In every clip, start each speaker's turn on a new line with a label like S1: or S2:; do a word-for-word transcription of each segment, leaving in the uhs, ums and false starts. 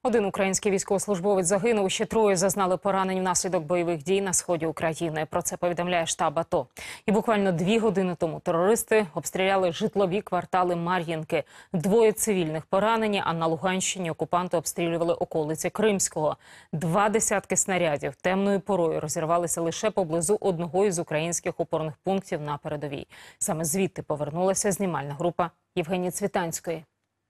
S1: Один український військовослужбовець загинув, ще троє зазнали поранень внаслідок бойових дій на сході України. Про це повідомляє штаб АТО. І буквально дві години тому терористи обстріляли житлові квартали Мар'їнки. Двоє цивільних поранені, а на Луганщині окупанти обстрілювали околиці Кримського. Два десятки снарядів темною порою розірвалися лише поблизу одного із українських опорних пунктів на передовій. Саме звідти повернулася знімальна група Євгенії Цвітанської.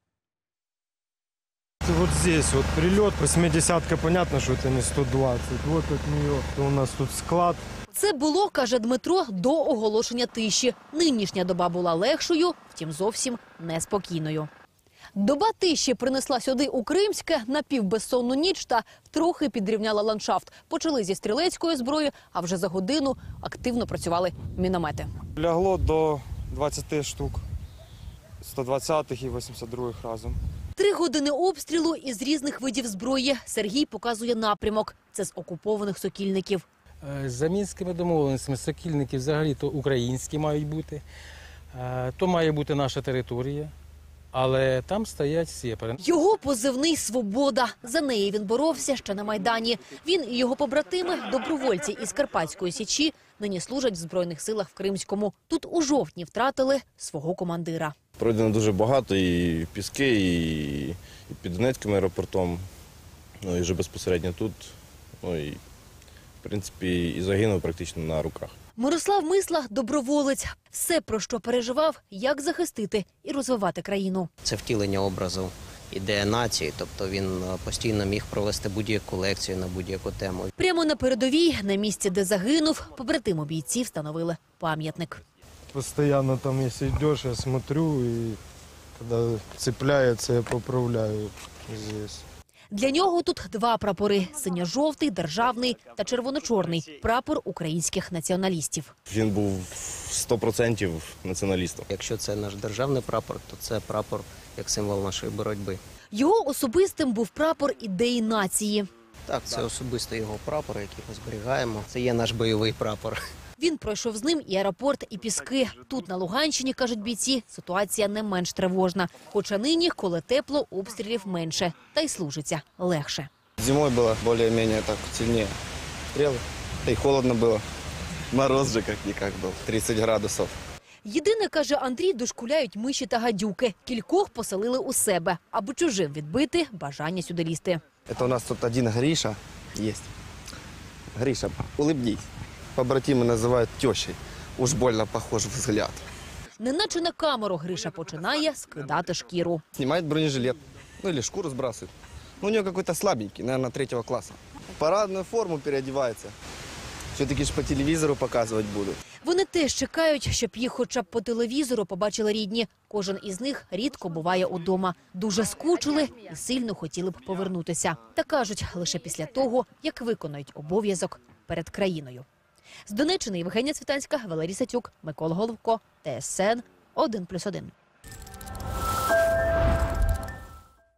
S2: Вот здесь вот прилет, восьмидесятка, понятно, что это не сто двадцать. Вот от нее у нас тут склад.
S3: Це було, каже Дмитро, до оголошення тиші. Нинішня доба була легшою, втім зовсім неспокійною. Доба тиші принесла сюди у Кримське напівбезсонну ніч та трохи підрівняла ландшафт. Почали зі стрілецької зброї, а вже за годину активно працювали міномети.
S2: Лягло до двадцяти штук, сто двадцятих і вісімдесят других разом.
S3: Три години обстрілу із різних видів зброї. Сергій показує напрямок. Це з окупованих Сокільників.
S4: За мінськими домовленостями Сокільники взагалі-то українські мають бути. То має бути наша територія, але там стоять сепари.
S3: Його позивний «Свобода». За неї він боровся ще на Майдані. Він і його побратими, добровольці із Карпатської Січі, нині служать в Збройних силах в Кримському. Тут у жовтні втратили свого командира.
S5: Пройдено дуже багато, і Піски, і, і під Донецьким аеропортом, ну і вже безпосередньо тут, ну і в принципі і загинув практично на руках.
S3: Мирослав Мисла – доброволець. Все, про що переживав, як захистити і розвивати країну.
S6: Це втілення образу ідеї нації, тобто він постійно міг провести будь-яку лекцію на будь-яку тему.
S3: Прямо на передовій, на місці, де загинув, побратиму бійці встановили пам'ятник.
S2: Постоянно там, если идешь, я смотрю, и когда цепляется, я поправляю здесь.
S3: Для нього тут два прапори – синьо-жовтий, державний та червоно-чорний – прапор українських націоналістів.
S5: Він був сто відсотків націоналістом.
S6: Якщо це наш державний прапор, то це прапор як символ нашої боротьби.
S3: Його особистим був прапор ідеї нації.
S6: Так, це особисто його прапор, який ми зберігаємо. Це є наш бойовий прапор.
S3: Він пройшов з ним і аеропорт, і Піски. Тут, на Луганщині, кажуть бійці, ситуація не менш тривожна. Хоча нині, коли тепло, обстрілів менше. Та й служиться легше.
S7: Зимой было более-менее так сильнее стрелы. Да и холодно было. Мороз же как-никак был, тридцать градусов.
S3: Єдине, каже Андрій, дошкуляють миші та гадюки. Кількох поселили у себе, аби чужим відбити бажання сюди лізти.
S7: Это у нас тут один Гриша есть. Гриша, улыбнись. Побратимы называют тещей. Уж больно похож взгляд.
S3: Неначе на камеру Гриша починає скидати шкіру.
S7: Снимает бронежилет. Ну или шкуру сбрасывает. Ну, у него какой-то слабенький, наверное, третьего класса. В парадную форму переодевается. Все-таки ж по телевизору показывать будут.
S3: Вони теж чекають, щоб їх хоча б по телевізору побачили рідні. Кожен із них рідко буває удома. Дуже скучили і сильно хотіли б повернутися. Та кажуть, лише після того, як виконають обов'язок перед країною. З Донеччини Євгенія Цвітанська, Валерій Сацюк, Микола Головко, Т С Н один плюс один.